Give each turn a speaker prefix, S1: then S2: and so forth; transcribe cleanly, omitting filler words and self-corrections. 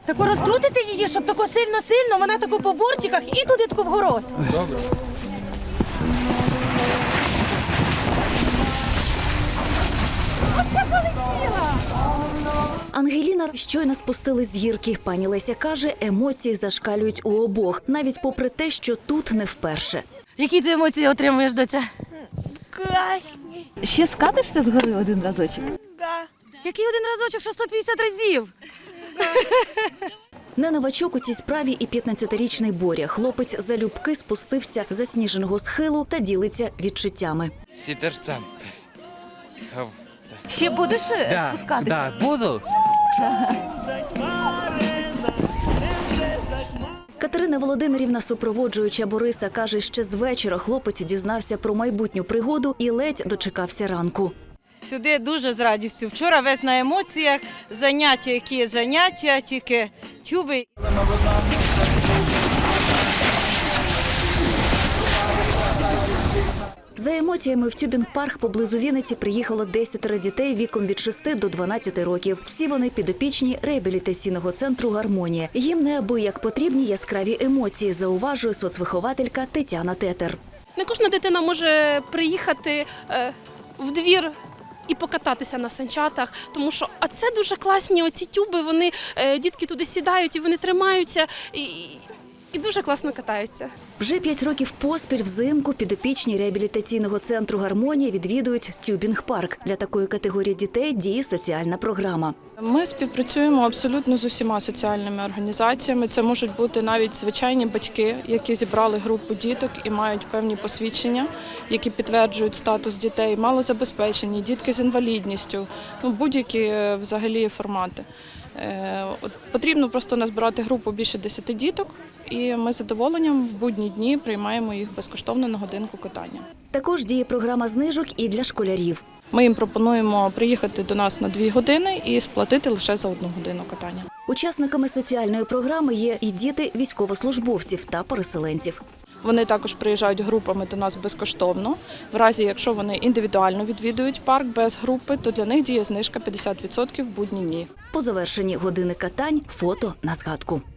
S1: Тако розкрутите її, щоб тако сильно-сильно, вона тако по бортиках і туди тако вгород.
S2: Добре.
S3: Ангеліна щойно спустилась з гірки. Пані Леся каже, емоції зашкалюють у обох, навіть попри те, що тут не вперше.
S1: Які ти емоції отримуєш, доця?
S4: Класні.
S3: Ще скатишся з гори один разочок?
S4: Да.
S1: Який один разочок, що 150 разів?
S3: Не новачок у цій справі і 15-річний Боря. Хлопець залюбки спустився з засніженого схилу та ділиться відчуттями.
S2: Сітерцем.
S3: Ще будеш спускатися?
S2: Так, буду.
S3: Катерина Володимирівна, супроводжуюча Бориса, каже, ще з вечора хлопець дізнався про майбутню пригоду і ледь дочекався ранку.
S5: Сюди дуже з радістю. Вчора весь на емоціях, заняття, які заняття, тільки тюби.
S3: За емоціями в тюбінг-парк поблизу Вінниці приїхало 10 дітей віком від 6 до 12 років. Всі вони підопічні реабілітаційного центру «Гармонія». Їм неабияк потрібні яскраві емоції, зауважує соцвихователька Тетяна Тетер.
S6: Не кожна дитина може приїхати в двір і покататися на санчатах, тому що це дуже класні оці тюби, вони дітки туди сідають і вони тримаються і дуже класно катаються.
S3: Вже 5 років поспіль взимку підопічні реабілітаційного центру «Гармонія» відвідують тюбінг-парк. Для такої категорії дітей діє соціальна програма.
S7: Ми співпрацюємо абсолютно з усіма соціальними організаціями. Це можуть бути навіть звичайні батьки, які зібрали групу діток і мають певні посвідчення, які підтверджують статус дітей, малозабезпечені, дітки з інвалідністю, будь-які взагалі формати. Потрібно просто назбирати групу більше 10 діток, і ми з задоволенням в будні дні приймаємо їх безкоштовно на годинку катання.
S3: Також діє програма знижок і для школярів.
S7: Ми їм пропонуємо приїхати до нас на 2 години і сплатити лише за 1 годину катання.
S3: Учасниками соціальної програми є і діти військовослужбовців та переселенців.
S7: Вони також приїжджають групами до нас безкоштовно. В разі, якщо вони індивідуально відвідують парк без групи, то для них діє знижка 50% в будні дні.
S3: По завершенні години катань – фото на згадку.